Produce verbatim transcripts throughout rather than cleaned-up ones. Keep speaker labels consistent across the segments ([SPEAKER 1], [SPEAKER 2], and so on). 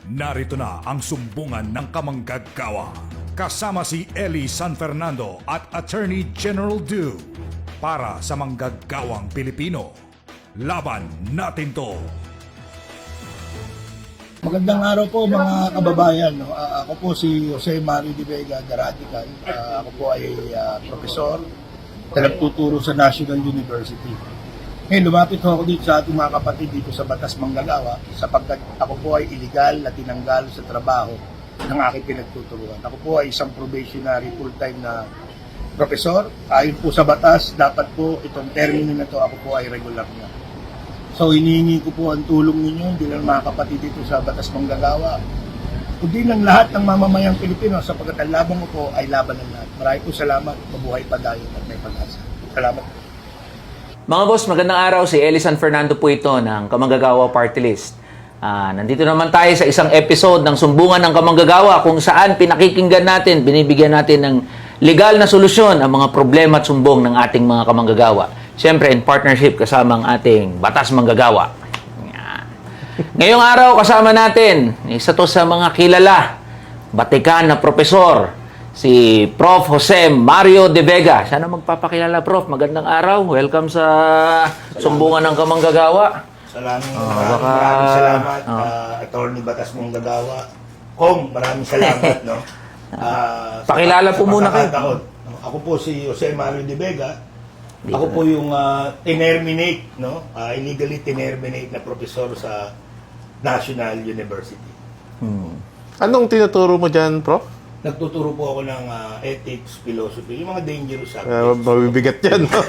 [SPEAKER 1] Narito na ang sumbungan ng kamanggagawa. Kasama si Eli San Fernando at Attorney General Du para sa manggagawang Pilipino. Laban natin to!
[SPEAKER 2] Magandang araw po mga kababayan. No? Uh, ako po si Jose Mario de Vega, the Radical. Uh, ako po ay uh, profesor na nagtuturo sa National University. Ngayon, lumapit ho ako dito sa ating mga kapatid dito sa Batas Manggagawa sapagkat ako po ay illegal na tinanggal sa trabaho ng aking pinagtuturuan. Ako po ay isang probationary full-time na profesor. Ayon po sa batas, dapat po itong termino na to ako po ay regular na. So, hinihingi ko po ang tulong ninyo, hindi lang mga kapatid dito sa Batas Manggagawa, kundi ng lahat ng mamamayang Pilipino sapagkat ang laban ko po ay laban ng lahat. Maraming po salamat, mabuhay pa tayo at may pag-asa. Salamat.
[SPEAKER 3] Mga boss, magandang araw. Si Eli San Fernando po ito ng Kamanggagawa Party List. Ah, nandito naman tayo sa isang episode ng Sumbungan ng Kamanggagawa kung saan pinakikinggan natin, binibigyan natin ng legal na solusyon ang mga problema at sumbong ng ating mga kamanggagawa. Siyempre, in partnership kasama ang ating Batas Manggagawa. Yan. Ngayong araw, kasama natin, isa to sa mga kilala, batikan na profesor, si Prof Jose Mario de Vega. Sana magpapakilala, Prof. Magandang araw. Welcome sa salamat. Sumbungan ng Kamanggagawa.
[SPEAKER 2] Salamat.
[SPEAKER 3] Oh,
[SPEAKER 2] maraming,
[SPEAKER 3] baka,
[SPEAKER 2] maraming salamat,
[SPEAKER 3] oh.
[SPEAKER 2] uh, Attorney Batas Manggagawa. Kong, maraming salamat. no? Uh,
[SPEAKER 3] Pakilala po muna kayo.
[SPEAKER 2] Ako po si Jose Mario de Vega. Ako po yung uh, tinerminate, no? Uh, illegally tinerminate na profesor sa National University.
[SPEAKER 4] Hmm. Anong tinuturo mo dyan, Prof?
[SPEAKER 2] Nagtuturo po ako ng uh, ethics, philosophy, yung mga dangerous
[SPEAKER 4] Uh,
[SPEAKER 2] subjects.
[SPEAKER 4] mabibigat yan. No?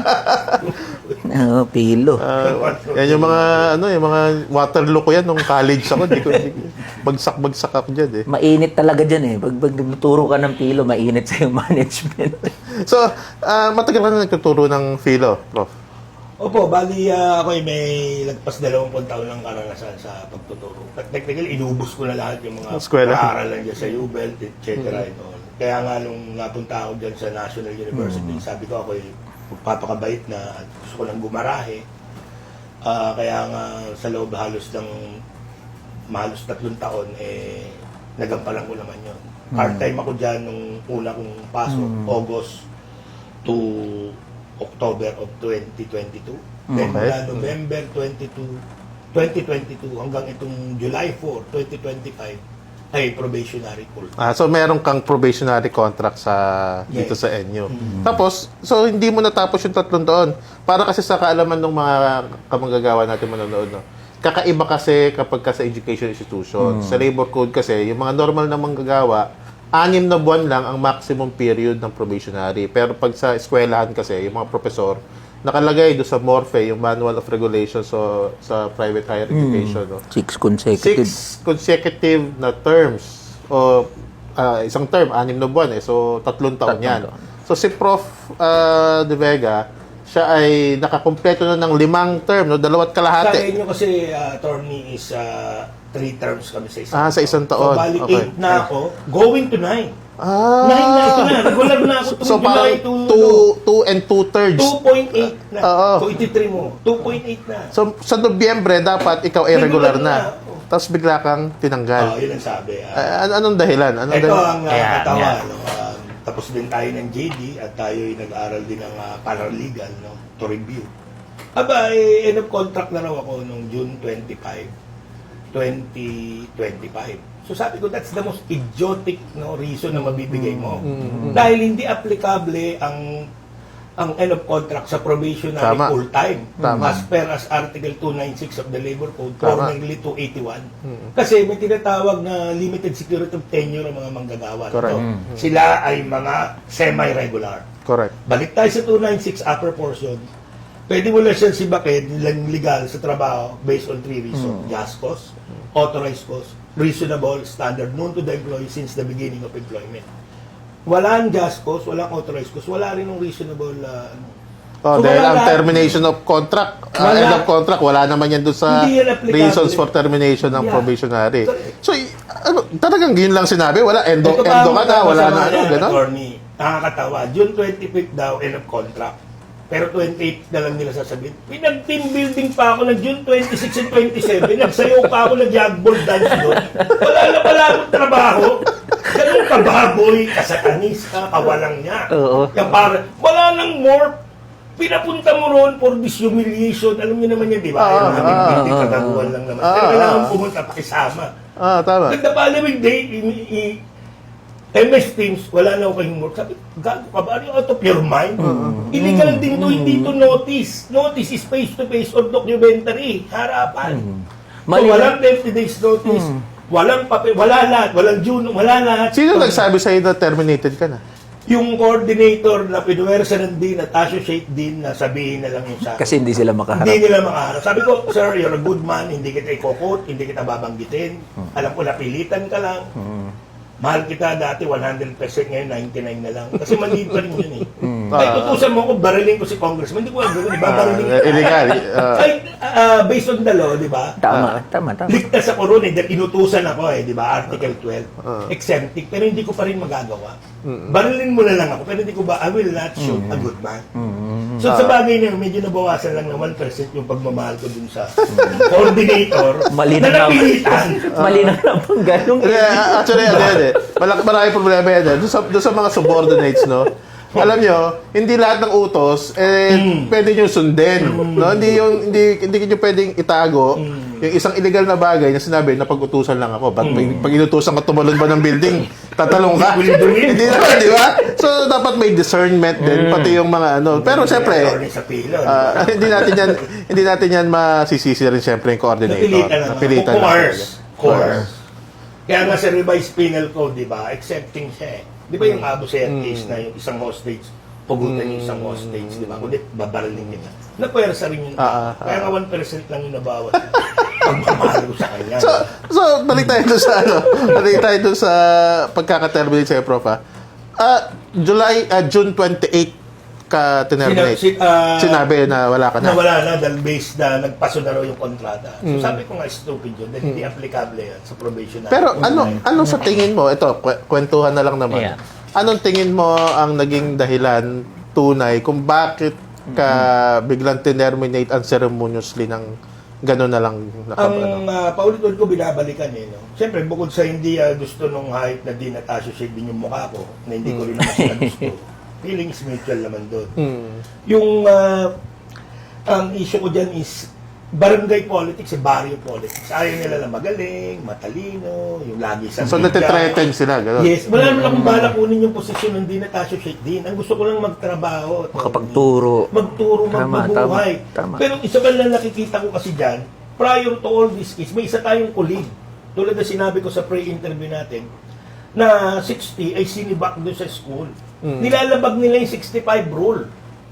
[SPEAKER 3] Oh, pilo.
[SPEAKER 4] Uh, yan yung mga, ano, yung mga Waterloo ko yan nung college ako. Di ko, di, bagsak-bagsak ako dyan eh.
[SPEAKER 3] Mainit talaga dyan eh. Pag, pag nagtuturo ka ng pilo, mainit sa yung management.
[SPEAKER 4] So, uh, matagal ka na nagtuturo ng philo, Prof?
[SPEAKER 2] Opo, bali uh, ako ay may lagpas dalawampung taon ng karanasan sa pagtuturo. Technically, inubos ko na lahat yung mga
[SPEAKER 4] Eskwela.
[SPEAKER 2] paaralan dyan sa U B E L T, et cetera. Mm-hmm. Kaya nga nung napunta ako dyan sa National University, mm-hmm. sabi ko ako ay magpapakabait na at gusto ko lang gumarahe. Uh, kaya nga sa loob halos ng mahalos tatlong taon, eh, nagampalan ko naman yun. Mm-hmm. Part-time ako dyan nung una kong pasok, mm-hmm. August to October of twenty twenty-two. Then
[SPEAKER 4] Okay.
[SPEAKER 2] mula November twenty-two, twenty twenty-two hanggang itong July fourth, twenty twenty-five ay probationary full.
[SPEAKER 4] Ah, so, meron kang probationary contract sa dito
[SPEAKER 2] Yes.
[SPEAKER 4] sa N U.
[SPEAKER 2] Mm-hmm.
[SPEAKER 4] Tapos, so hindi mo natapos yung tatlong taon. Para kasi sa kaalaman ng mga kamanggagawa natin manonood, no? Kakaiba kasi kapag ka sa education institution. Sa labor code kasi, yung mga normal na manggagawa, anim na buwan lang ang maximum period ng probationary. Pero pag sa eskwelahan kasi, yung mga profesor, nakalagay do sa MORFE, yung Manual of Regulations so, sa private higher education. No?
[SPEAKER 3] Six consecutive.
[SPEAKER 4] Six consecutive na terms. O ah, isang term, anim na buwan eh. So, tatlong taon
[SPEAKER 3] Tatlong
[SPEAKER 4] yan.
[SPEAKER 3] taon.
[SPEAKER 4] So, si Prof ah, De Vega, siya ay nakakumpleto na ng limang term, no? Dalawat
[SPEAKER 2] Sa
[SPEAKER 4] kalahati.
[SPEAKER 2] inyo kasi, uh, attorney, is uh, three terms kami sa isang
[SPEAKER 4] Ah, sa isang taon.
[SPEAKER 2] So, bali
[SPEAKER 4] Okay.
[SPEAKER 2] eight na ako, going to nine.
[SPEAKER 4] Ah!
[SPEAKER 2] Nine na ito na. Regular na ako.
[SPEAKER 4] So,
[SPEAKER 2] July
[SPEAKER 4] parang
[SPEAKER 2] to
[SPEAKER 4] two, two and two-thirds.
[SPEAKER 2] two point eight na.
[SPEAKER 4] Oo.
[SPEAKER 2] So, iti-three mo. two point eight na.
[SPEAKER 4] So, sa Nobyembre, dapat ikaw ay regular
[SPEAKER 2] Regular
[SPEAKER 4] na.
[SPEAKER 2] na.
[SPEAKER 4] Tapos bigla kang
[SPEAKER 2] Oh,
[SPEAKER 4] tinanggal.
[SPEAKER 2] yun ang sabi. Uh,
[SPEAKER 4] Ah, an- anong dahilan? Anong
[SPEAKER 2] ito
[SPEAKER 4] dahilan?
[SPEAKER 2] ang uh,
[SPEAKER 3] Ayan,
[SPEAKER 2] katawa.
[SPEAKER 3] ayan.
[SPEAKER 2] No? Uh, tapos din tayo ng J D at tayo ay nag-aral din ng uh, paralegal, no? To review. Aba, eh, end of contract na raw ako noong June twenty-fifth, twenty twenty-five. So sabi ko, that's the most idiotic no, reason na mabibigay mo.
[SPEAKER 4] Mm-hmm.
[SPEAKER 2] Dahil hindi applicable ang ang end of contract sa probationary
[SPEAKER 4] Tama.
[SPEAKER 2] full-time.
[SPEAKER 4] Tama.
[SPEAKER 2] As per as Article two ninety-six of the Labor Code,
[SPEAKER 4] Tama.
[SPEAKER 2] formerly two eighty-one. Kasi may tinatawag na limited security of tenure ang mga manggagawa.
[SPEAKER 4] Correct.
[SPEAKER 2] No? Sila ay mga semi-regular.
[SPEAKER 4] Correct.
[SPEAKER 2] Balik tayo sa two ninety-six upper portion. Pwede mo lang siyang sibakin lang legal sa trabaho based on three reasons. Just cause, authorized cause, reasonable standard known to the employee since the beginning of employment. Walang just cause, walang authorized cause, wala rin ng reasonable uh, ano.
[SPEAKER 4] Oh,
[SPEAKER 2] So,
[SPEAKER 4] dahil
[SPEAKER 2] wala
[SPEAKER 4] ang
[SPEAKER 2] lahat.
[SPEAKER 4] termination of contract, uh,
[SPEAKER 2] Wala.
[SPEAKER 4] end of contract, wala naman yan doon sa
[SPEAKER 2] Hindi yan applicable.
[SPEAKER 4] reasons for termination ng
[SPEAKER 2] Yeah.
[SPEAKER 4] probationary.
[SPEAKER 2] Correct.
[SPEAKER 4] So, y- ano, talagang yun lang sinabi? Wala, endo,
[SPEAKER 2] Ito pa
[SPEAKER 4] endo
[SPEAKER 2] ang
[SPEAKER 4] ka na, wala na,
[SPEAKER 2] masama
[SPEAKER 4] ano,
[SPEAKER 2] yan,
[SPEAKER 4] gano'n?
[SPEAKER 2] attorney. Nakakatawa. June twenty-fifth daw, end of contract. Pero twenty-eight na lang nila sasabihin. Pinag-team building pa ako ng June twenty-six and twenty-seven. Nagsayaw pa ako ng jagball dance doon. Wala na pala akong trabaho. Ganun kababoy, kasatanis ka, kawalang niya.
[SPEAKER 3] Oo.
[SPEAKER 2] Yung para, wala nang more. Pinapunta mo roon for this humiliation. Alam niyo naman yan, di ba? Ayaw
[SPEAKER 4] Ah,
[SPEAKER 2] namin
[SPEAKER 4] ah,
[SPEAKER 2] building
[SPEAKER 4] ah,
[SPEAKER 2] kagaguhan lang naman.
[SPEAKER 4] ah,
[SPEAKER 2] Pero kailangan
[SPEAKER 4] ah.
[SPEAKER 2] pumunta, pakisama.
[SPEAKER 4] Ah, tama.
[SPEAKER 2] At the following day, i- i- M S Teams, wala na ako kayong work. Sabi, gago ka ba? Are you out of your mind? Illegal din to, hindi to notice. Notice is face-to-face or documentary. Harapan. So,
[SPEAKER 3] Mali-
[SPEAKER 2] walang thirty days notice. Walang papel, wala lahat. Walang June, wala lahat.
[SPEAKER 4] Sino
[SPEAKER 2] So,
[SPEAKER 4] nagsabi sa'yo na terminated ka na?
[SPEAKER 2] yung coordinator na pinuwersa ng dean at associate dean na sabihin na lang yung sa akin.
[SPEAKER 3] Kasi hindi sila makaharap.
[SPEAKER 2] Hindi nila makaharap. Sabi ko, sir, you're a good man, hindi kita ikokot, hindi kita babanggitin. Alam ko, napilitan ka lang. Mahal kita dati, one hundred percent, ngayon ninety-nine na lang. Kasi mali pa rin yun eh. Kahit utusan mo ako, bariling ko si congressman, hindi ko alam gawin, di ba? Bariling
[SPEAKER 4] Ah, illegal. Ah.
[SPEAKER 2] Kahit ah, based on the law, di ba?
[SPEAKER 3] Tama, tama, tama.
[SPEAKER 2] Ligtas ako ron eh, dahil inutusan ako eh, di ba? Article twelve. Exempting, pero hindi ko pa rin magagawa. Barilin mo na lang ako, pero hindi ko ba, I will not shoot a good man. So sa bagay na yun, medyo nabawasan lang ng one percent yung pagmamahal ko dun sa coordinator
[SPEAKER 3] Mali
[SPEAKER 2] na
[SPEAKER 3] na
[SPEAKER 2] napilitan.
[SPEAKER 3] Mali na lang pang ganong
[SPEAKER 4] Hindi, actually, ano yan eh. Malaki, marami problema yan eh. Doon sa, doon sa mga subordinates, no? Alam nyo, hindi lahat ng utos, eh, pwede nyo sundin. No? Hindi yung, hindi, hindi nyo pwedeng itago yung isang illegal na bagay na sinabi na pag-utusan lang ako. Ba't pag, pag inutusan ka tumalon ba ng building, tatalong ka? Hindi naman, di ba? So, dapat may discernment din, pati yung mga ano. Pero, siyempre,
[SPEAKER 2] Attorney sa pilo, di ba?
[SPEAKER 4] ah, hindi natin yan, hindi natin yan masisisi rin siyempre yung coordinator.
[SPEAKER 2] Napilitan lang.
[SPEAKER 4] Napilitan lang.
[SPEAKER 2] Coerce. Coerce. Kaya nga sa revised penal code, di ba, accepting siya eh. Di ba yung Abu Sayyaf case na yung isang hostage, pugutan yung isang hostage, di ba? Kundi babaraling nila. Napwersa rin yun.
[SPEAKER 4] Ah, ah,
[SPEAKER 2] Kaya nga one percent lang yung nabawas. Pagmamahal ko sa kanya.
[SPEAKER 4] So, so balik tayo doon sa ano, balik tayo doon sa pagkaka-terminate sa'yo, Prof. Ah, Ah, July, ah, June twenty-eighth ka tinerminate.
[SPEAKER 2] Sina- si- ah,
[SPEAKER 4] Sinabi na wala ka na.
[SPEAKER 2] na wala na dahil based na nagpaso na raw yung kontrata. So sabi ko nga stupid yun dahil hindi applicable yan sa probation na.
[SPEAKER 4] Pero ano, ano sa tingin mo, ito, kwe- kwentuhan na lang naman.
[SPEAKER 3] Yeah.
[SPEAKER 4] Anong tingin mo ang naging dahilan tunay kung bakit ka biglang tinerminate unceremoniously ng gano'n na lang nakab- ano?
[SPEAKER 2] Ang uh, paulit-ulit ko binabalikan eh. No? Siyempre, bukod sa hindi ah, gusto nung hype na din at associate din yung mukha ko, na hindi ko rin naman sila gusto. Feelings mutual naman doon.
[SPEAKER 4] Hmm.
[SPEAKER 2] Yung, ah, ang issue ko dyan is, barangay politics, eh, barrio politics. Ayaw nila na magaling, matalino, yung lagi sa
[SPEAKER 4] So,
[SPEAKER 2] media.
[SPEAKER 4] natitreten sila, gano'n?
[SPEAKER 2] Yes, wala naman akong balak kunin yung posisyon ng din at associate din. Ang gusto ko lang magtrabaho.
[SPEAKER 3] Makapagturo.
[SPEAKER 2] Magturo,
[SPEAKER 3] Tama,
[SPEAKER 2] magbubuhay.
[SPEAKER 3] tama, tama.
[SPEAKER 2] Pero isa ba lang nakikita ko kasi dyan, prior to all this case, may isa tayong colleague. Tulad na sinabi ko sa pre-interview natin, na sixty ay sinibak doon sa school. Nilalabag nila yung sixty-five rule.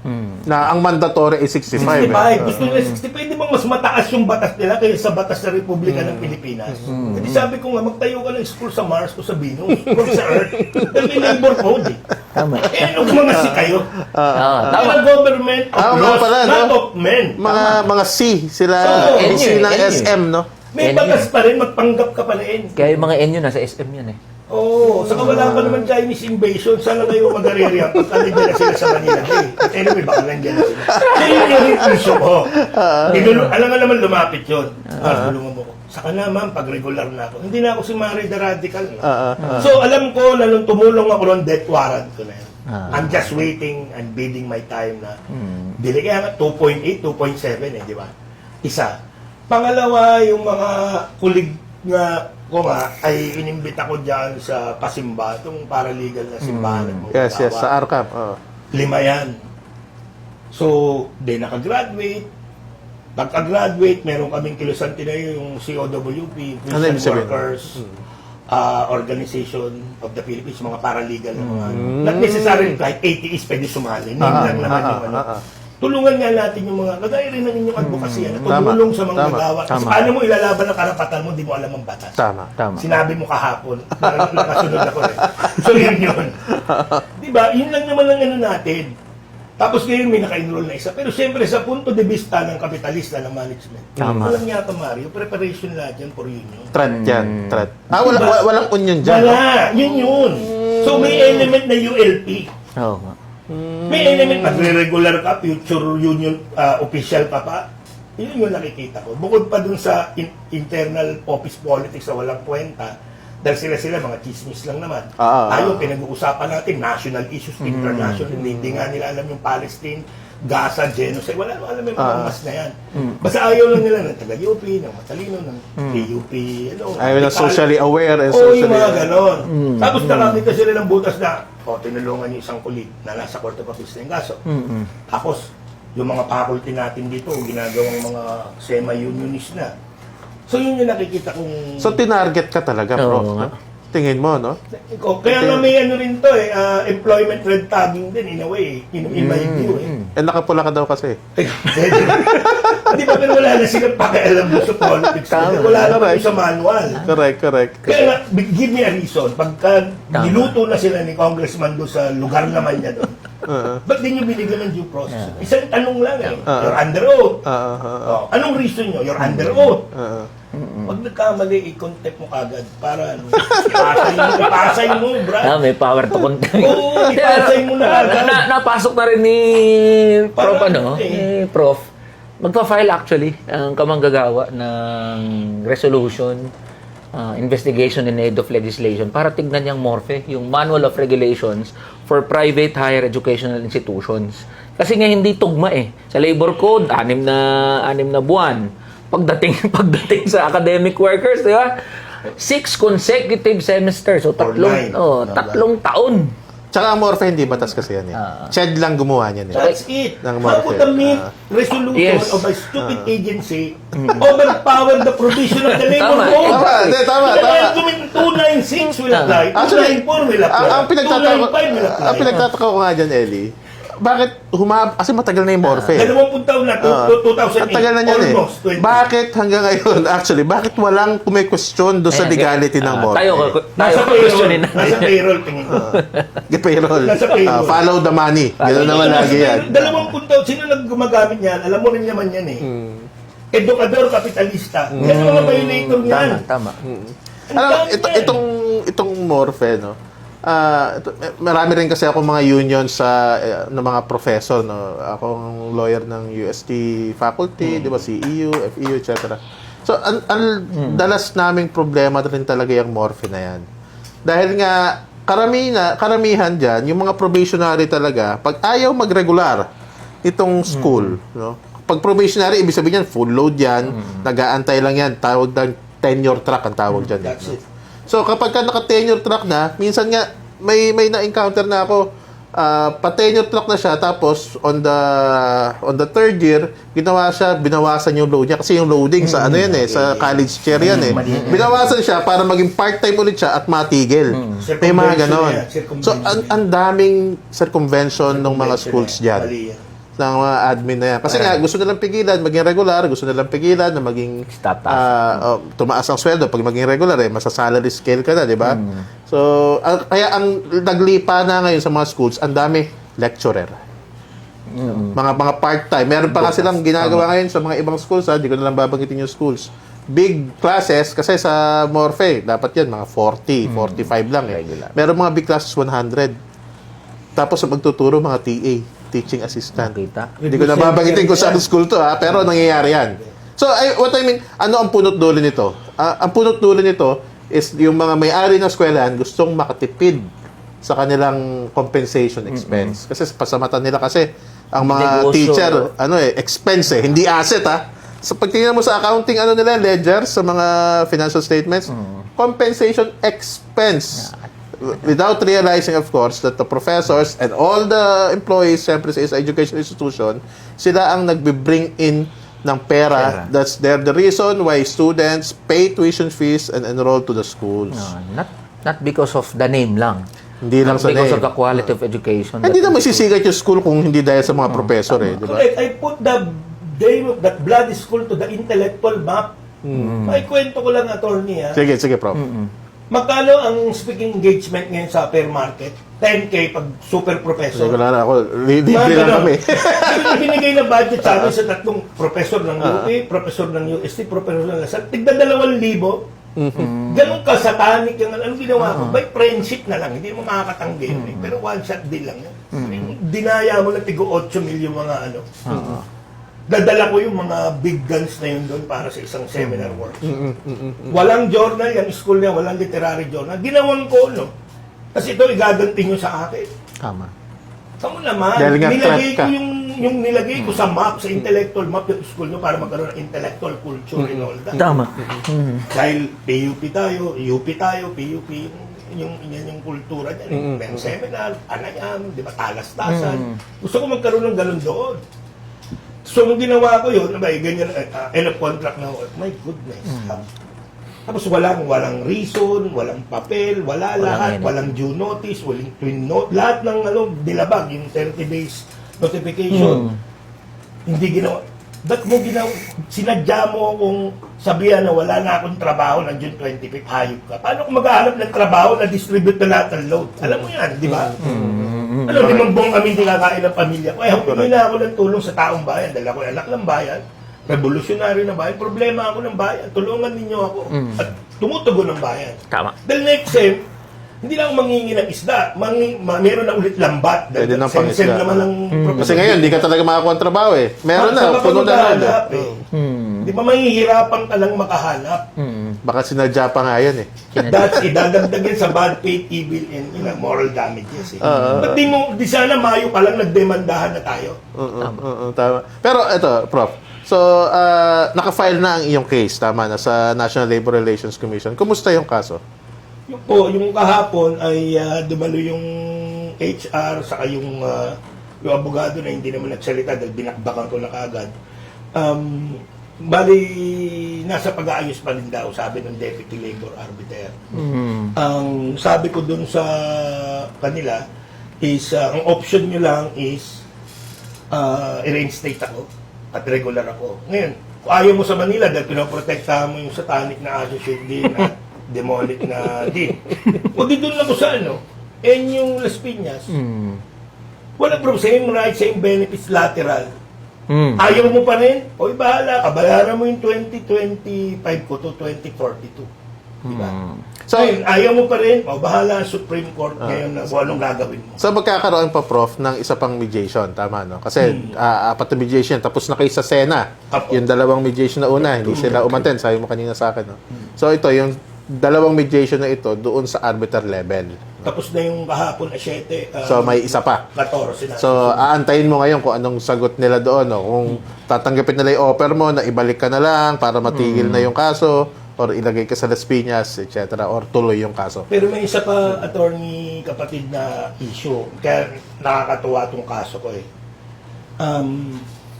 [SPEAKER 4] Na ang mandatory is sixty-five.
[SPEAKER 2] sixty-five.
[SPEAKER 4] eh.
[SPEAKER 2] Gusto nila sixty-five. Di ba mas mataas yung batas nila kaysa sa batas ng Republika ng Pilipinas? Hindi sabi ko nga, magtayo ka ng school sa Mars o sa Venus o sa Earth. Dahil may labor code eh.
[SPEAKER 3] Tama.
[SPEAKER 2] Eh, ano mga si kayo?
[SPEAKER 3] Ah,
[SPEAKER 2] Tama.
[SPEAKER 3] tama.
[SPEAKER 2] Government of
[SPEAKER 4] Ah, mga
[SPEAKER 2] laws,
[SPEAKER 4] pala, no?
[SPEAKER 2] not of men.
[SPEAKER 4] Mga mga C, sila
[SPEAKER 2] Oo.
[SPEAKER 4] C
[SPEAKER 3] N
[SPEAKER 4] ng
[SPEAKER 3] U,
[SPEAKER 4] S M, no?
[SPEAKER 2] May
[SPEAKER 3] Yan
[SPEAKER 2] batas pa rin, magpanggap ka pa rin.
[SPEAKER 3] Kaya yung mga N U nasa S M yan eh.
[SPEAKER 2] Oo, saka wala pa naman Chinese invasion. Sana kayo mag-arerya pag nandiyan na sila sa Manila Bay. But anyway, baka nandiyan na sila. Kaya yun yung issue ko. Dinulu- alam nga naman lumapit yun. Ah, tulungan mo ko. Saka naman, pag regular na ako. Hindi na ako si Mari the Radical. No?
[SPEAKER 4] Ah, ah,
[SPEAKER 2] So, alam ko na nung tumulong ako ng death warrant ko na yun.
[SPEAKER 3] Ah.
[SPEAKER 2] I'm just waiting and bidding my time na bili. Kaya nga, two point eight, two point seven eh, di ba? Isa. Pangalawa, yung mga kulig nga ko nga, ay inimbita ko dyan sa pasimba, itong paralegal na simbahan. Mm.
[SPEAKER 4] Yes, yes, sa R C A P. Oh.
[SPEAKER 2] Lima yan. So, di nakagraduate. Pagka-graduate, meron kaming kilusan tinayo yung C O W P,
[SPEAKER 4] Ano
[SPEAKER 2] Prison
[SPEAKER 4] ibig sabihin?
[SPEAKER 2] Workers ah, Organization of the Philippines, mga paralegal na mga, not necessarily kahit A T Es pwede sumali. Name
[SPEAKER 4] Ah,
[SPEAKER 2] lang naman
[SPEAKER 4] ah,
[SPEAKER 2] yung ano.
[SPEAKER 4] ah, ah.
[SPEAKER 2] Tulungan nga natin yung mga, kagaya rin ng inyong advocacy, ano,
[SPEAKER 4] Tama,
[SPEAKER 2] tumulong sa mga
[SPEAKER 4] tama,
[SPEAKER 2] nagawa. Kasi
[SPEAKER 3] tama.
[SPEAKER 2] paano mo ilalaban ang karapatan mo, di mo alam ang batas.
[SPEAKER 4] Tama.
[SPEAKER 3] Tama.
[SPEAKER 2] Sinabi mo kahapon, parang nakasunod ako eh. So yun yun. Di ba? Yun lang naman ang ano natin. Tapos ngayon may naka-enroll na isa. Pero siyempre sa punto de vista ng kapitalista ng management,
[SPEAKER 3] Tama.
[SPEAKER 2] walang yata Mario, preparation lahat yan for union.
[SPEAKER 4] Threat yan. Threat. Ah, wala, wala, walang union dyan. no?
[SPEAKER 2] Wala! Yun yun. So may element na U L P.
[SPEAKER 3] Oo nga.
[SPEAKER 2] May element, magre-regular ka, future union uh, official ka pa. Yun yung nakikita ko. Bukod pa dun sa in- internal office politics na walang kwenta, dahil sila-sila mga chismis lang naman.
[SPEAKER 4] Ah, ah,
[SPEAKER 2] Ayaw, pinag-uusapan natin, national issues, international, hindi, hindi nga nila alam yung Palestine, Gaza, genocide, wala naman alam yung mga
[SPEAKER 4] Ah.
[SPEAKER 2] mas na yan. Basta ayaw lang nila ng taga-U P, ng matalino, ng K U P, ano.
[SPEAKER 4] Ayaw na
[SPEAKER 2] radikal.
[SPEAKER 4] socially aware and
[SPEAKER 2] Oo,
[SPEAKER 4] socially...
[SPEAKER 2] yung mga ganon. Tapos nakakita sila ng butas na, o, tinulungan yung isang kulit na nasa Court of Appeals na yung kaso. Tapos, yung mga faculty natin dito, ginagawang mga semi-unionist na. So, yun yung nakikita kong...
[SPEAKER 4] So, tinarget ka talaga,
[SPEAKER 3] Oo
[SPEAKER 4] Prof.
[SPEAKER 3] nga.
[SPEAKER 4] no? Tingin mo, no?
[SPEAKER 2] O, kaya nga may ano rin to eh, ah, employment red tagging din in a way, in, in my view eh.
[SPEAKER 4] Eh, nakapula ka daw kasi.
[SPEAKER 2] Hindi ba, pero wala na silang pakialam doon sa politics.
[SPEAKER 3] Tama.
[SPEAKER 2] Wala na
[SPEAKER 4] Correct.
[SPEAKER 2] sa manual.
[SPEAKER 4] Correct, correct.
[SPEAKER 2] Kaya nga, give me a reason. Pagka niluto na sila ni congressman doon sa lugar naman niya doon,
[SPEAKER 4] Uh,
[SPEAKER 2] ba't di nyo binigyan ng due process? Isang tanong lang eh.
[SPEAKER 4] Yeah.
[SPEAKER 2] You're under oath.
[SPEAKER 4] uh, uh, uh,
[SPEAKER 2] Oh, anong reason nyo? You're under oath.
[SPEAKER 4] uh,
[SPEAKER 2] Pag nagkamali, i-contempt mo kagad para ano, ipasay mo, ipasay mo, brad.
[SPEAKER 3] Ah, may power to contain.
[SPEAKER 2] Oo, ipasay mo na agad.
[SPEAKER 3] na, napasok na rin ni Prof.
[SPEAKER 2] Parang,
[SPEAKER 3] Ano?
[SPEAKER 2] eh.
[SPEAKER 3] Ni Prof. Magpa-file actually ang kamanggagawa ng resolution, uh, investigation in aid of legislation para tignan niyang morphe, yung Manual of Regulations for Private Higher Educational Institutions. Kasi nga hindi tugma eh. Sa Labor Code, anim na anim na buwan. Pagdating pagdating sa academic workers, di ba? Six consecutive semesters. So tatlong
[SPEAKER 2] nine.
[SPEAKER 3] oh, tatlong taon.
[SPEAKER 4] Tsaka ang morphe, hindi batas kasi yan eh.
[SPEAKER 3] Ah.
[SPEAKER 4] Ched lang gumawa niyan eh.
[SPEAKER 2] That's it.
[SPEAKER 4] Ng
[SPEAKER 2] How could the
[SPEAKER 4] market.
[SPEAKER 2] mere
[SPEAKER 4] Ah.
[SPEAKER 2] resolution
[SPEAKER 3] Yes.
[SPEAKER 2] of a stupid agency overpower the provision of the labor
[SPEAKER 3] Tama.
[SPEAKER 2] code?
[SPEAKER 4] Tama, hindi, tama,
[SPEAKER 2] Kaya
[SPEAKER 4] tama.
[SPEAKER 2] argument two ninety-six will
[SPEAKER 3] Tama.
[SPEAKER 2] apply,
[SPEAKER 4] Actually,
[SPEAKER 2] two ninety-four will apply,
[SPEAKER 4] ang, ang pinagtataka
[SPEAKER 2] two ninety-five will apply.
[SPEAKER 4] ang pinagtataka ko nga dyan, Ellie, bakit humab... Kasi matagal na yung morphe.
[SPEAKER 2] Dalawampung taon na,
[SPEAKER 4] Ah.
[SPEAKER 2] two thousand eight.
[SPEAKER 4] Ang tagal na niyan eh.
[SPEAKER 2] Almost twenty.
[SPEAKER 4] Bakit hanggang ngayon, actually, bakit walang kumay-question doon sa
[SPEAKER 3] Ayan,
[SPEAKER 4] legality ng
[SPEAKER 3] ah,
[SPEAKER 4] morphe?
[SPEAKER 3] Tayo, tayo
[SPEAKER 2] Nasa
[SPEAKER 3] questionin
[SPEAKER 2] payroll.
[SPEAKER 3] natin.
[SPEAKER 2] Nasa payroll, tingin ko.
[SPEAKER 4] Get payroll.
[SPEAKER 2] Nasa payroll.
[SPEAKER 4] Ah, follow the money. Gano'n naman
[SPEAKER 2] Nasa
[SPEAKER 4] lagi yan.
[SPEAKER 2] payroll. Dalawampung taon, sino nag gumagamit niyan? Alam mo rin naman yan eh.
[SPEAKER 4] Hmm.
[SPEAKER 2] Edukador, kapitalista. Yan ang mga violator niyan.
[SPEAKER 3] Tama, tama.
[SPEAKER 2] Ang
[SPEAKER 4] Alam,
[SPEAKER 2] dami
[SPEAKER 4] ito,
[SPEAKER 2] yan.
[SPEAKER 4] itong, itong morphe, no? Ah, ito, eh, marami rin kasi ako mga union sa eh, ng mga professor, no. Akong lawyer ng U S T faculty, 'di ba, C E U, F E U, et cetera. So, ang, ang dalas naming problema rin talaga yung morphe na 'yan. Dahil nga karamihan karamihan diyan, yung mga probationary talaga, pag ayaw magregular itong school, no. Pag probationary, ibig sabihin yan, full load yan, nag-aantay lang yan, tawag ng tenure track ang tawag dyan.
[SPEAKER 2] That's
[SPEAKER 4] no?
[SPEAKER 2] it.
[SPEAKER 4] So, kapag ka naka-tenure track na, minsan nga, may may na-encounter na ako, ah, pa-tenure track na siya, tapos on the on the third year, ginawa siya, binawasan yung load niya. Kasi yung loading sa ano yan eh, sa college chair yan eh. Binawasan siya para maging part-time ulit siya at matigil. May mga
[SPEAKER 2] Circumvention
[SPEAKER 4] ganon.
[SPEAKER 2] yan, circumvention
[SPEAKER 4] So, ang, ang daming circumvention ng mga schools dyan
[SPEAKER 2] Mali yan.
[SPEAKER 4] ng mga admin na yan. Kasi nga, gusto nilang pigilan, maging regular, gusto nilang pigilan na maging
[SPEAKER 3] Status.
[SPEAKER 4] ah, oh, tumaas ang sweldo. Pag maging regular, eh, masa-salary scale ka na, di ba? So, ang- kaya ang naglipa na ngayon sa mga schools, ang dami lecturer. Mga mga part-time. Meron pa nga silang ginagawa ngayon sa mga ibang schools, ha? Di ko na lang babanggitin yung schools. Big classes, kasi sa Morphe, dapat yan, mga forty, forty-five lang eh.
[SPEAKER 3] Regular.
[SPEAKER 4] Meron mga big classes, one hundred. Tapos magtuturo mga T A, teaching assistant.
[SPEAKER 3] Kita.
[SPEAKER 4] Hindi ko na babanggitin kung saan school to ha, pero nangyayari yan. So, I, what I mean, ano ang punot dulo nito? Ah, ang punot dulo nito is yung mga may-ari ng eskwelahan gustong makatipid sa kanilang compensation expense. Kasi sa mata nila kasi, ang mga
[SPEAKER 3] Negosyo.
[SPEAKER 4] teacher, ano eh, expense eh, hindi asset ha. So, pag tingnan mo sa accounting, ano nila, ledger, sa mga financial statements, compensation expense. Without realizing, of course, that the professors and all the employees, siyempre sa isang education institution, sila ang nagbe-bring in ng pera.
[SPEAKER 3] Pera.
[SPEAKER 4] That's they're the reason why students pay tuition fees and enroll to the schools.
[SPEAKER 3] No, not not because of the name lang.
[SPEAKER 4] Hindi lang
[SPEAKER 3] Not
[SPEAKER 4] sa
[SPEAKER 3] because
[SPEAKER 4] name.
[SPEAKER 3] of the quality of education.
[SPEAKER 4] Hindi
[SPEAKER 3] that
[SPEAKER 4] na
[SPEAKER 3] is-
[SPEAKER 4] masisigat yung school kung hindi dahil sa mga professor eh, di ba?
[SPEAKER 2] Correct. I put the name of that bloody school to the intellectual map. May kwento ko lang, attorney ha.
[SPEAKER 4] Sige, sige, Prof.
[SPEAKER 2] Magkano ang speaking engagement ngayon sa fair market? ten K pag super
[SPEAKER 4] Sige,
[SPEAKER 2] professor.
[SPEAKER 4] wala na ako. Libre
[SPEAKER 2] Mga
[SPEAKER 4] lang
[SPEAKER 2] ganon.
[SPEAKER 4] kami.
[SPEAKER 2] Binigay na budget sa amin sa tatlong professor ng U P, professor ng U S T, professor ng Lasal. Tigda dalawang libo. Ganun ka satanic yung ano ginawa ko. By friendship na lang, hindi mo makakatanggi yun eh. Pero one shot deal lang yun. Dinaya mo na tigo eight mil yung mga ano. Dadala ko yung mga big guns na yun doon para sa isang seminar workshop. Walang journal, yung school niya, walang literary journal. Ginawan ko, no? Kasi ito, igaganti nyo sa akin.
[SPEAKER 4] Tama.
[SPEAKER 2] Kamu naman,
[SPEAKER 4] Dahil nga
[SPEAKER 2] nilagay
[SPEAKER 4] threat
[SPEAKER 2] ko
[SPEAKER 4] ka.
[SPEAKER 2] yung, yung nilagay ko sa map, sa intellectual map yung school nyo para magkaroon ng intellectual culture and all that.
[SPEAKER 3] Tama.
[SPEAKER 2] Dahil P U P tayo, U P tayo, P U P, yung, yan yung kultura niya. Mm -hmm. Seminar, Anayam, di ba, Talas-Tasan. Gusto ko magkaroon ng ganun doon. So, nung ginawa ko yun, abay, ganyan, uh, end of contract na, my goodness. Mm. Tapos walang, walang reason, walang papel, wala
[SPEAKER 3] Walang
[SPEAKER 2] lahat,
[SPEAKER 3] yun.
[SPEAKER 2] walang due notice, walang twin note, lahat ng ano, dilabag, yung thirty days notification. Hindi ginawa. Ba't mo ginawa? Sinadya mo kung sabihan na wala na akong trabaho ng June twenty-fifth, hayop ka. Paano kung maghahanap ng trabaho na distribute na lahat ng load? Alam mo yan, di ba? Ano, limang buong kami hindi kakain ng pamilya ko. Eh, humingi na ako ng tulong sa taong bayan. Dahil ako anak ng bayan, revolutionary na bayan, problema ako ng bayan. Tulungan ninyo ako. At tumutugon ng bayan.
[SPEAKER 3] Tama.
[SPEAKER 2] Dahil next time, hindi lang ako mangingi ng isda. Mangi, ma, meron na ulit lambat.
[SPEAKER 4] Pwede
[SPEAKER 2] Dahil
[SPEAKER 4] ng
[SPEAKER 2] send
[SPEAKER 4] pangisda.
[SPEAKER 2] naman ng
[SPEAKER 4] Kasi ngayon, hindi ka talaga makakuha ng trabaho eh. Meron
[SPEAKER 2] Saan
[SPEAKER 4] na,
[SPEAKER 2] ka
[SPEAKER 4] puno na
[SPEAKER 2] maghahanap,
[SPEAKER 4] na.
[SPEAKER 2] eh? Di ba mahihirapan ka lang makahanap?
[SPEAKER 4] Baka sinadya pa nga yan eh.
[SPEAKER 2] That's idadagdag yan sa bad faith, evil, and you know, moral damages. Eh. Ba't di mo, di sana Mayo pa lang nagdemandahan na tayo?
[SPEAKER 4] Oo, oo, tama. Pero ito, Prof. So, ah, naka-file na ang iyong case, tama na, sa National Labor Relations Commission. Kumusta yung kaso?
[SPEAKER 2] Yung po, yung kahapon ay ah, dumalo yung H R saka yung ah, yung abogado na hindi naman nagsalita dahil binakbakan ko na kaagad. Um, bali, nasa pag-aayos pa rin daw, sabi ng Deputy Labor Arbiter. Ang sabi ko dun sa kanila is, ah, ang option nyo lang is uh, i-reinstate ako at regular ako. Ngayon, kung ayaw mo sa Manila dahil pinoprotektahan mo yung satanic na associate din at demonic na din. O di doon lang ko sa ano, and yung Las Piñas, wala problem, same rights, same benefits, lateral. Ayaw mo pa rin, o bahala ka, bayaran mo yung twenty twenty-five ko to twenty forty-two. Diba? So, ngayon, ayaw mo pa rin, o bahala ang Supreme Court ngayon na kung anong gagawin mo.
[SPEAKER 4] So, magkakaroon pa, Prof, ng isa pang mediation, tama, no? Kasi, ah, apat na mediation, tapos na kayo sa Sena.
[SPEAKER 2] Apo.
[SPEAKER 4] Yung dalawang mediation na una, hindi sila umattend, sabi mo kanina sa akin, no? So, ito, yung dalawang mediation na ito, doon sa arbiter level.
[SPEAKER 2] Tapos na yung kahapon na siyete, uh,
[SPEAKER 4] So, may isa pa.
[SPEAKER 2] fourteen na.
[SPEAKER 4] So, aantayin mo ngayon kung anong sagot nila doon, no? Kung tatanggapin nila yung offer mo na ibalik ka na lang para matigil na yung kaso, or ilagay ka sa Las Piñas, et cetera, or tuloy yung kaso.
[SPEAKER 2] Pero may isa pa, attorney kapatid, na issue. Kaya nakakatuwa tong kaso ko eh. Um,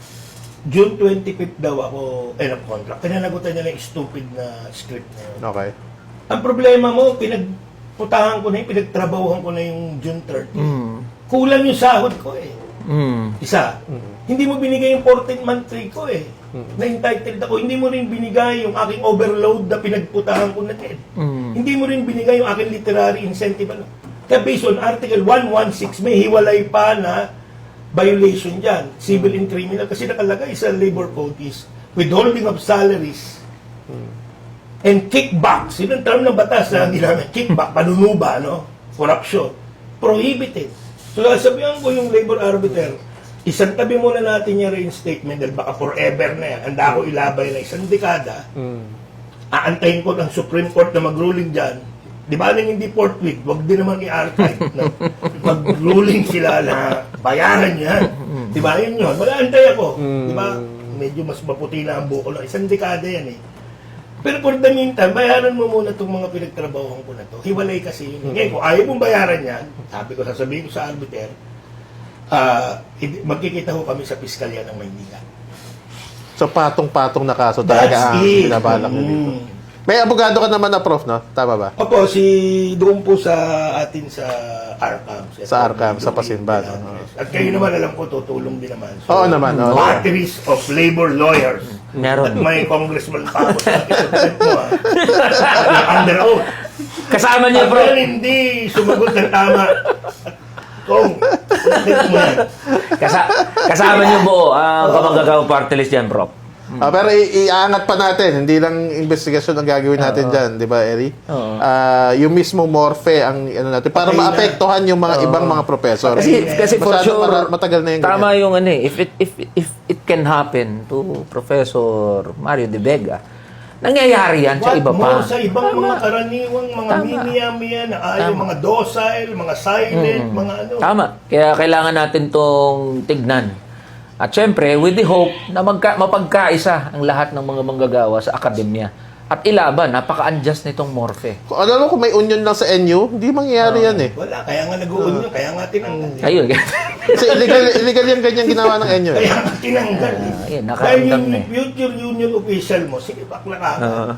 [SPEAKER 2] June twenty-fifth daw ako end of contract. Pinanagutan nila yung stupid na script na yun.
[SPEAKER 4] Okay.
[SPEAKER 2] Ang problema mo, pinagputahan ko na yung, pinagtrabahuhan ko na yung June thirtieth. Kulang yung sahod ko eh. Isa. Hindi mo binigay yung fourteen month pay ko eh. Na-entitled ako. Hindi mo rin binigay yung aking overload na pinagputahan ko na din. Hindi mo rin binigay yung aking literary incentive. Ano. Kaya based on Article one sixteen, may hiwalay pa na violation dyan. Civil and criminal. Kasi nakalagay sa labor code is withholding of salaries and kickbacks. Yun ang term ng batas na ginamit. Kickback, panunuba, no? Corruption. Prohibited. So, sabihan ko yung labor arbiter, isang tabi muna natin yung reinstatement dahil baka forever na yan. Handa ako ilabay na isang dekada. Aantayin ko ng Supreme Court na mag-ruling dyan. Di ba nang hindi forthwith, wag din naman i-archive. No? Mag-ruling sila na bayaran yan. Di ba yun yun? Mag-aantay ako. Di ba? Medyo mas maputi na ang buko lang. Isang dekada yan eh. Pero for the meantime, bayaran mo muna itong mga pinagtrabahoan ko na to. Hiwalay kasi yun. Ngayon, kung ayaw mong bayaran yan, sabi ko, sasabihin ko sa arbiter, uh, magkikita ko kami sa piskalya ng Maynila.
[SPEAKER 4] So, patong-patong na kaso talaga ang
[SPEAKER 2] That's it.
[SPEAKER 4] binabalak nyo dito.
[SPEAKER 2] Mm.
[SPEAKER 4] May abogado ka naman na, Prof, no? Tama ba?
[SPEAKER 2] Opo, si doon po sa atin sa Arcam.
[SPEAKER 4] Sa Arcam, sa Pasimban. Oo.
[SPEAKER 2] At kayo naman, alam ko, tutulong din naman.
[SPEAKER 4] Oo naman, oo.
[SPEAKER 2] Batteries of labor lawyers.
[SPEAKER 3] Meron.
[SPEAKER 2] At may congressman pa ako sa akin mo, ha? Under oath.
[SPEAKER 3] Kasama niyo,
[SPEAKER 2] Pag
[SPEAKER 3] bro.
[SPEAKER 2] yan hindi sumagot ng tama, kung, ulit mo yan.
[SPEAKER 3] Kasa kasama niyo buo ang kamanggagawang party list dyan, bro.
[SPEAKER 4] Ah, pero i- iaangat pa natin, hindi lang investigasyon ang gagawin natin diyan, 'di ba, Eri?
[SPEAKER 3] Oo.
[SPEAKER 4] Ah, yung mismo morphe ang ano natin para
[SPEAKER 2] Patay na.
[SPEAKER 4] maapektuhan yung mga ibang mga professor.
[SPEAKER 3] Kasi, kasi for
[SPEAKER 4] Masyado
[SPEAKER 3] sure,
[SPEAKER 4] mara- matagal na yung
[SPEAKER 3] tama
[SPEAKER 4] ganyan.
[SPEAKER 3] yung ano eh, if it, if, if it can happen to Professor Mario De Vega, nangyayari yan sa
[SPEAKER 2] What
[SPEAKER 3] iba
[SPEAKER 2] more
[SPEAKER 3] pa.
[SPEAKER 2] sa ibang mga karaniwang mga
[SPEAKER 3] Tama.
[SPEAKER 2] mimiya-miya na ayaw, mga docile, mga silent, mga ano.
[SPEAKER 3] Tama. Kaya kailangan natin tong tignan. At syempre, with the hope na magka, mapagkaisa ang lahat ng mga manggagawa sa akademya. At ilaban, napaka-unjust nitong morphe.
[SPEAKER 4] Kung ano kung may union lang sa N U, hindi mangyayari yan eh.
[SPEAKER 2] Wala, kaya nga nag-uun yun, kaya nga tinanggal.
[SPEAKER 3] Ayun.
[SPEAKER 4] Kasi illegal, illegal yung ganyan ginawa ng N U. Eh.
[SPEAKER 2] Kaya nga tinanggal. eh.
[SPEAKER 3] Ah, ayun,
[SPEAKER 2] Dahil
[SPEAKER 3] nakaramdam
[SPEAKER 2] yung
[SPEAKER 3] na eh.
[SPEAKER 2] future union official mo, sige, bakla ka.
[SPEAKER 3] Oo.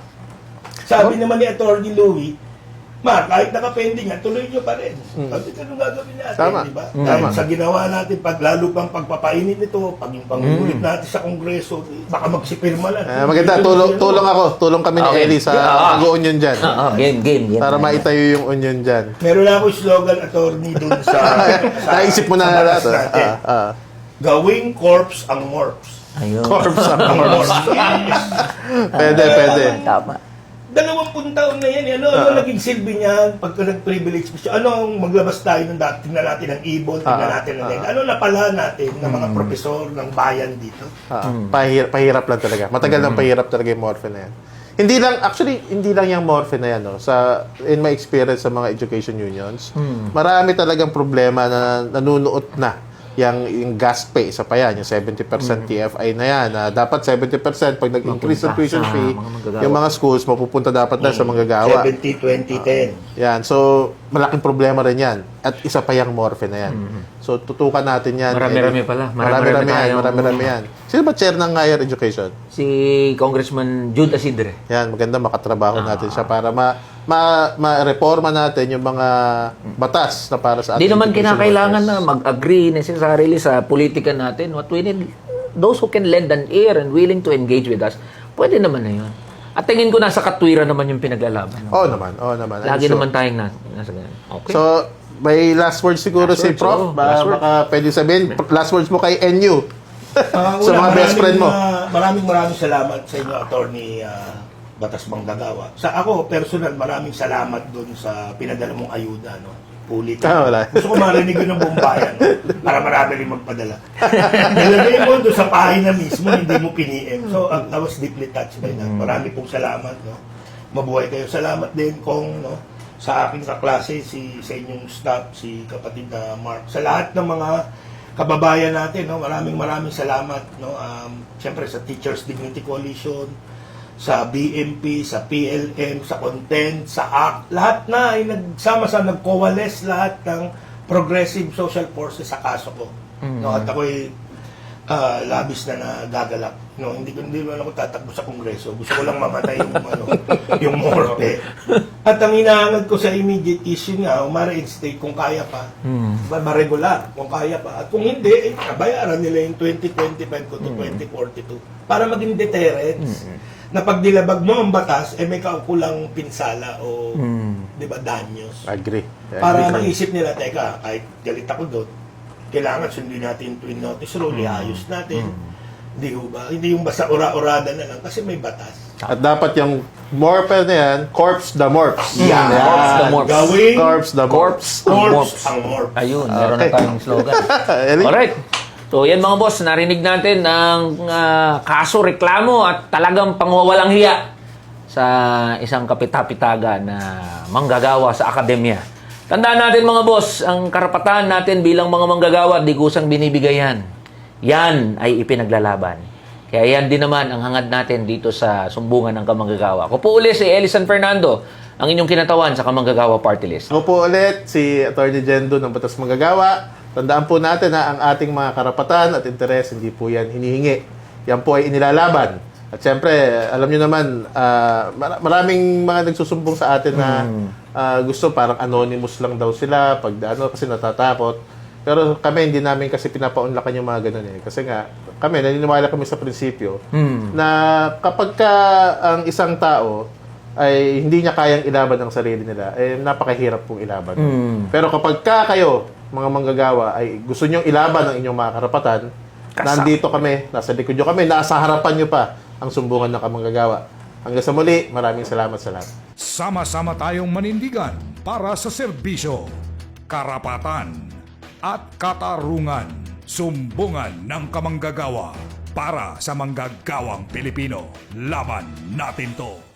[SPEAKER 2] Sabi naman ni Attorney Louie, Ma, kahit nakapending yan, tuloy nyo pa rin. Sabi ka nung gagawin natin,
[SPEAKER 4] Tama.
[SPEAKER 2] di ba?
[SPEAKER 4] Mm.
[SPEAKER 2] Dahil
[SPEAKER 4] Tama.
[SPEAKER 2] sa ginawa natin, pag lalo pang pagpapainit nito, pag yung pangulit natin sa Kongreso, baka magsipirma lang.
[SPEAKER 4] Ah, maganda, tulong, tulong ako. Tulong kami ni
[SPEAKER 3] Okay.
[SPEAKER 4] Eli sa
[SPEAKER 3] Ah.
[SPEAKER 4] pag-union dyan.
[SPEAKER 3] Oo, game, game. game.
[SPEAKER 4] Para maitayo yung union dyan.
[SPEAKER 2] Meron na ako slogan, Attorney, dun sa... sa
[SPEAKER 4] Naisip mo na
[SPEAKER 2] sa batas
[SPEAKER 4] lahat.
[SPEAKER 2] natin.
[SPEAKER 4] Ah, ah.
[SPEAKER 2] Gawing corpse ang morphs.
[SPEAKER 3] Ayun.
[SPEAKER 4] Corpse ang
[SPEAKER 2] Ang
[SPEAKER 4] corpse.
[SPEAKER 2] morphs.
[SPEAKER 4] Pwede, pwede.
[SPEAKER 3] Tama.
[SPEAKER 2] Dalawampung taon na yan. eh. Ano, ano naging silbi niyan pagka nag-privilege mo siya? Ano ang maglabas tayo ng dati? Tingnan natin ang ibon, tingnan
[SPEAKER 4] Ah,
[SPEAKER 2] natin ang
[SPEAKER 4] ah.
[SPEAKER 2] leg. Ano napala natin ng mga profesor ng bayan dito?
[SPEAKER 4] Ah, pahir- pahirap lang talaga. Matagal nang pahirap talaga yung morphe na yan. Hindi lang, actually, hindi lang yung morphe na yan. No? Sa, in my experience sa mga education unions, marami talagang problema na nanunuot na yung, yung gas pay, isa pa yan, yung seventy percent T F I na yan. Na dapat seventy percent pag nag-increase
[SPEAKER 3] Mapunta
[SPEAKER 4] ng tuition
[SPEAKER 3] sa
[SPEAKER 4] fee,
[SPEAKER 3] mga manggagawa.
[SPEAKER 4] yung mga schools, mapupunta dapat na sa manggagawa.
[SPEAKER 2] seventy twenty ten.
[SPEAKER 4] Yan. So, malaking problema rin yan. At isa pa yung morphe na yan. So, tutukan natin yan.
[SPEAKER 3] Marami-rami
[SPEAKER 4] Eddie.
[SPEAKER 3] pala.
[SPEAKER 4] Marami-rami
[SPEAKER 3] Marami-rami
[SPEAKER 4] yan.
[SPEAKER 3] tayong-
[SPEAKER 4] Marami-rami yan. Sino ba chair ng higher education?
[SPEAKER 3] Si Congressman Jude Asidre.
[SPEAKER 4] Yan, maganda makatrabaho
[SPEAKER 3] Ah.
[SPEAKER 4] natin siya para ma ma ma-reforma natin yung mga batas na para sa
[SPEAKER 3] Hindi
[SPEAKER 4] ating
[SPEAKER 3] naman
[SPEAKER 4] education
[SPEAKER 3] kinakailangan na
[SPEAKER 4] workers.
[SPEAKER 3] mag-agree necessarily sa politika natin. What we need, those who can lend an ear and willing to engage with us, pwede naman na yun. At tingin ko nasa katwiran naman yung pinaglalaban.
[SPEAKER 4] Oo naman, oo naman. I'm
[SPEAKER 3] Lagi
[SPEAKER 4] sure.
[SPEAKER 3] naman tayong na, nasa ganyan. Okay.
[SPEAKER 4] So, may last words siguro
[SPEAKER 3] Last
[SPEAKER 4] si
[SPEAKER 3] words,
[SPEAKER 4] Prof.
[SPEAKER 3] oo.
[SPEAKER 4] Ba,
[SPEAKER 3] Last words.
[SPEAKER 4] baka pwede sabihin, last words mo kay N U.
[SPEAKER 2] Ah,
[SPEAKER 4] Sa
[SPEAKER 2] una,
[SPEAKER 4] mga best friend mo.
[SPEAKER 2] maraming, ah, maraming maraming salamat sa inyo, Attorney ah, Batas Manggagawa. Sa ako, personal, maraming salamat doon sa pinadala mong ayuda. No? Pulit.
[SPEAKER 4] Ah, wala.
[SPEAKER 2] Gusto ko marinig yun ng buong bayan no? para marami rin magpadala. Nilagay mo doon sa pahina mismo, hindi mo piniem. So, I, I was deeply touched by that. Marami pong salamat. No? Mabuhay kayo. Salamat din kung no, sa aking kaklase, si, sa inyong staff, si kapatid na Mark. Sa lahat ng mga kababayan natin, no, maraming maraming salamat. No? Um, Siyempre sa Teachers Dignity Coalition, sa B M P, sa P L M, sa Content, sa A C T, lahat na ay nagsama sa nag-coalesce lahat ng progressive social forces sa kaso ko. No, at ako'y ah, labis na nagagalak. No, hindi ko hindi naman ako tatakbo sa kongreso. Gusto ko lang mamatay yung ano, yung morte. At ang hinahangad ko sa immediate issue nga, ma-reinstate kung kaya pa. Ba ma-regular kung kaya pa. At kung hindi, eh, bayaran nila yung twenty twenty-five ko to twenty forty-two para maging deterrence. Na pag dilabag mo ang batas, eh may kaukulang pinsala o, di ba, danyos.
[SPEAKER 4] Agree.
[SPEAKER 2] Para
[SPEAKER 4] Agree.
[SPEAKER 2] maisip nila, teka, kahit galit ako doon, kailangan sundin natin yung twin notice rule, iayos natin. Hindi ho ba? Hindi yung basta ura-urada na lang kasi may batas.
[SPEAKER 4] At dapat yung morphe na yan, corpse the morphs.
[SPEAKER 2] Yeah.
[SPEAKER 3] Corpse the morphs.
[SPEAKER 2] Gawing
[SPEAKER 4] Corpse the morphs.
[SPEAKER 3] Corpse ang
[SPEAKER 2] corpse
[SPEAKER 3] morphs.
[SPEAKER 2] ang morph.
[SPEAKER 3] Ayun, meron na
[SPEAKER 4] Okay.
[SPEAKER 3] tayong slogan.
[SPEAKER 4] Eli?
[SPEAKER 3] Alright. So, yan mga boss, narinig natin ang ah, kaso, reklamo at talagang pangwawalang hiya sa isang kapitapitaga na manggagawa sa akademya. Tandaan natin mga boss, ang karapatan natin bilang mga manggagawa, di kusang binibigay yan. Yan ay ipinaglalaban. Kaya yan din naman ang hangad natin dito sa sumbungan ng kamanggagawa. Ako po uli si Eli San Fernando, ang inyong kinatawan sa kamanggagawa party list.
[SPEAKER 4] Ako po ulit, si Attorney Jendo ng Batas Manggagawa. Tandaan po natin na ang ating mga karapatan at interes, hindi po yan hinihingi. Yan po ay inilalaban. At siyempre, alam nyo naman, ah, mar- maraming mga nagsusumbong sa atin na ah, gusto parang anonymous lang daw sila pag ano, kasi natatakot. Pero kami, hindi namin kasi pinapaunlakan yung mga ganun eh. Kasi nga, kami, naniniwala kami sa prinsipyo na kapag ka ang isang tao ay hindi niya kayang ilaban ang sarili nila, eh napakahirap pong ilaban. Pero kapag ka kayo, mga manggagawa, ay gusto nyong ilaban ang inyong mga karapatan,
[SPEAKER 3] Kasa-
[SPEAKER 4] nandito kami, nasa likod nyo kami, nasa harapan nyo pa ang sumbungan ng kamanggagawa. Hanggang sa muli, maraming salamat sa lahat.
[SPEAKER 1] Sama-sama tayong manindigan para sa serbisyo, karapatan, at katarungan. Sumbungan ng kamanggagawa para sa manggagawang Pilipino. Laban natin to!